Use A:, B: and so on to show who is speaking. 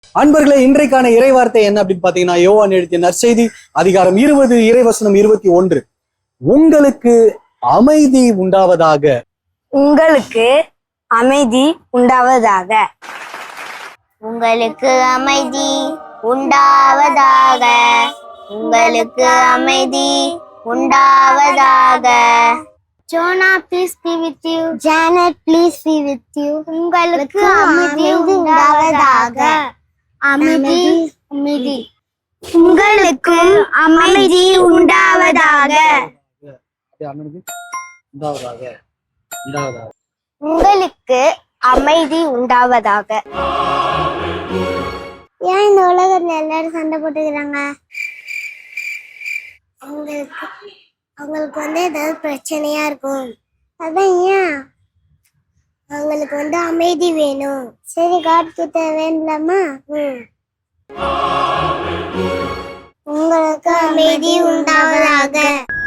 A: அன்பர்களே, இன்றைக்கான இறைவார்த்தை என்ன அப்படின்னு பாத்தீங்கன்னா, யோவான் எழுதிய நற்செய்தி அதிகாரம் 20 இறைவசனம் 21. உங்களுக்கு அமைதி உண்டாவதாக.
B: உங்களுக்கு அமைதி உண்டாவதாக.
C: உங்களுக்கு அமைதி உண்டாவதாக. உங்களுக்கு அமைதி உண்டாவதாக. Jonah, please be with you. Janet, please be with you. உங்களுக்கு அமைதி உண்டாவதாக. அமைதி அமைதி. உங்களுக்கு அமைதி உண்டாவதாக. உங்களுக்கு அமைதி உண்டாவதாக. ஏன் இந்த உலகத்துல எல்லாரும் சண்டை போட்டுக்கிறாங்க? அவங்களுக்கு ஏதாவது பிரச்சனையா இருக்கும். அதான் ஏன் அவங்களுக்கு அமைதி வேணும். சரி, காட் கிட்ட வேண்டாமா? உங்களுக்கு அமைதி உண்டாவதாக.